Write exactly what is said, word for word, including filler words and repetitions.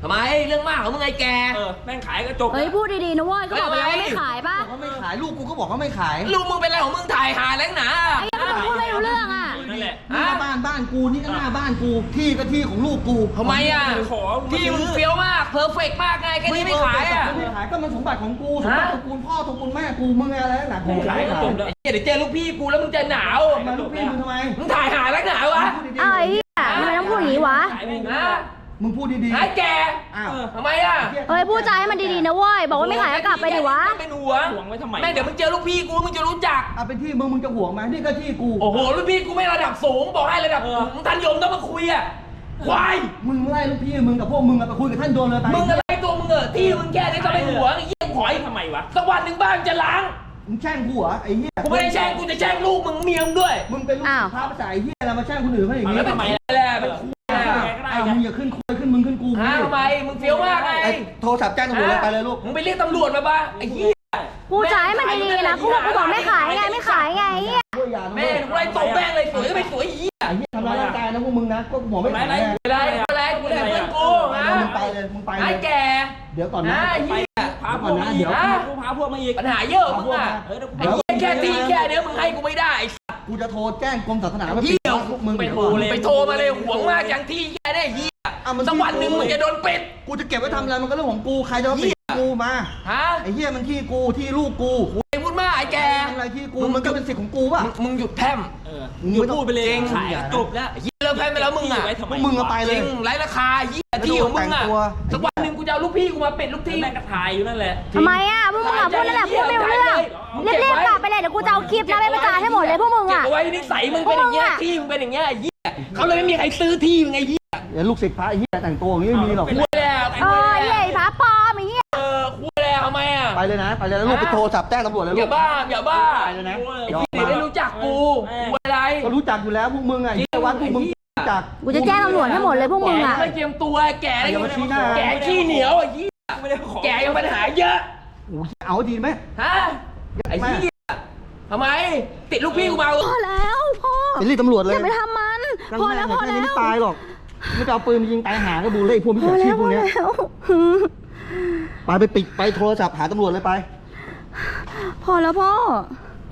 ทำไมเรื่องมากของมึงไงแกเออแม่งขายก็จบเฮ้ยพูดดีๆนะเว้ยก็บอกไปแล้วว่าไม่ขายป่ะเขาไม่ขายลูกกูก็บอกเขาไม่ขายลูกมึงเป็นอะไรของมึงถ่ายหาแล้วหนาไอ้ยังพูดไม่รู้เรื่องอ่ะนั่นแหละนี่ก็บ้านบ้านกูนี่ก็หน้าบ้านกูที่ก็ที่ของลูกกูทำไมอ่ะขอที่มึงเฟี้ยวมากเพอร์เฟกมากไงแค่นี้ไม่ขายอ่ะไม่ขายก็มันสมบัติของกูสมบัติตระกูลพ่อตระกูลแม่กูมึงอะไรหนักกูขายขายจบแล้วเดี๋ยวเจอลูกพี่กูแล้วมึงจะหนาวมาลูกพี่มึงทำไมมึงถ่ายหาแล้วหนาวะไอ้เหี้ยทำไมต้องพูดอย่างนี้วะขายแม่งนะมึงพูดดีๆไอ้แกอ้าวทำไมอ่ะเฮ้ยพูดจาให้มันดีๆนะเว้ยบอกว่าไม่ขายก็กลับไปดิวะเป็นห่วงห่วงไว้ทำไมแม่เดี๋ยวมึงเจอลูกพี่กูมึงจะรู้จักเอาเป็นที่มึงมึงจะห่วงไหมนี่ก็ที่กูโอ้โหลูกพี่กูไม่ระดับสูงบอกให้ระดับมึงทันยมต้องมาคุยอ่ะควายมึงไล่ลูกพี่มึงกับพวกมึงไปคุยกับท่านโดนเลยไปมึงอะไรตัวมึงเออที่มึงแค่นี้ก็ไม่ห่วงไอ้เหี้ยหอยทำไมวะสักวันหนึ่งบ้านจะล้างมึงแช่งกูเหรอไอ้เหี้ยกูไม่ได้แช่งกูจะแช่งลูกมึงเมียมึงด้วยมึงเป็นลูกพระภาษาไอ้เหี้ยอะไรมาแช่งคนอื่นเขาอย่างนี้แล้วทำไมแหละเป็นคุยอ่ะอ้าวมึงอย่าขึ้นคุยขึ้นมึงขึ้นกูฮะทำไมมึงเฟี้ยวมากไงไอ้โทรศัพท์แจ้งตำรวจเลยไปเลยลูกมึงไปเรียกตำรวจมาป่ะไอ้เหี้ยพูดจาให้มันดีๆนะกูบอกกูบอกไม่ขายไงไม่ขายไงไอ้เหี้ยแม่กูไล่ตบแม่งเลยสวยก็ไม่สวยไอ้เหี้ยไอ้เหี้ยทำร้ายร่างกายนะพวกมึงนะก็บอกไม่ขายไม่ได้ไม่ได้กูได้เพื่อนกูฮะมึงไปเลยมึงไปเลไอ้ยแกเดี๋ยวก่อนนะไอ้เหี้ยพาพวกมาอีกกูพาพวกมาอีกปัญหาเยอะมึงอ่ะเฮ้ยไอ้เหี้ยแค่ที่แค่เนี้ยมึงให้กูไม่ได้ไอ้สัสกูจะโทรแจ้งกรมศาสนาเหี้ยพวกมึงไปโทรเลยไปโทรมาเลยหวงมากอย่างที่แค่ได้เหี้ยสักวันหนึ่งมึงจะโดนปิดกูจะเก็บไว้ทำอะไรมันก็เรื่องของกูใครจะมาปิดกูมาฮะไอ้เหี้ยมันที่กูที่ลูกกูไอ้พูดมากไอ้แกทำอะไรที่กูมันก็เป็นสิทธิ์ของกูป่ะมึงหยุดแพร่มเออมึงพูดไปเลยขายจบแล้วไอ้เหี้ยเลิกแพร่มไปแล้วมึงอ่ะพวกมึงเอาไปจเลริยงไร้ราคาเหี้ยที่ของมึงอ่ะสักวันหนึ่งกูจะเอาลูกพี่กูมาปิดลูกที่แม่งก็ถ่ายอยู่นั่นแหละทำไมอ่ะพวกมึงอ่ะพูดนั่นแหละพูดไม่รู้เรื่องรีบๆกลับไปเลยเดี๋ยวกูจะเอาคลิปนะไปประจานให้หมดเลยพวกมึงเก็บอ่ะเอาไว้นิสัยมึงเป็นอย่างเงี้ยที่มึงเป็นอย่างเงี้ยไอ้เหี้ยเขาเลยไม่มีใครซื้อที่มึงไอ้เหี้ยเดี๋ยวลูกศิษย์พระไอ้เหี้ยแต่งตัวอย่างนี้ไม่มีหรอกคุยแล้วเออไอ้เหี้ยพระปลอมไอ้เหี้ยเออคุยแล้วทำไมอ่ะไปเลยนะไปเลยแล้วลูกไปโทรศัพท์แจ้งตำรวจเลยอลูย่าก บ้าอย่าบ้าไปเลยนะไอ้ที่ไม่รู้จักกูกูอะไรก็รู้จักอยู่แล้วพวกมึงไงเหี้ยวัดพวกมึงรู้จักกูจะแจ้งตำรวจให้หมดเลยพวกมึงอ่ะไม่เตรียมตัวแก่อย่ามาชี้หน้าแก่ขี้เหนียวไอ้เหี้ยไม่ได้ขอแก่ยังปัญหาเยอะโอ้ยเอาดีไหมฮะไอ้เหี้ยทำไมติดลูกพี่กูมาพอแล้วพ่อไปเรียกตำรวจเลยอย่าไปทำมัน พอแล้วพอแค่แล้นี้วไม่ตายหรอกไม่จะเอาปืนมายิงตายหาก็ดูเลยพวกมิจพอฉาชีแล้พวพพวอกเนี้ยแล้วไปไปปิดไปโทรศัพท์หาตำรวจเลยไปพอแล้วพ่อ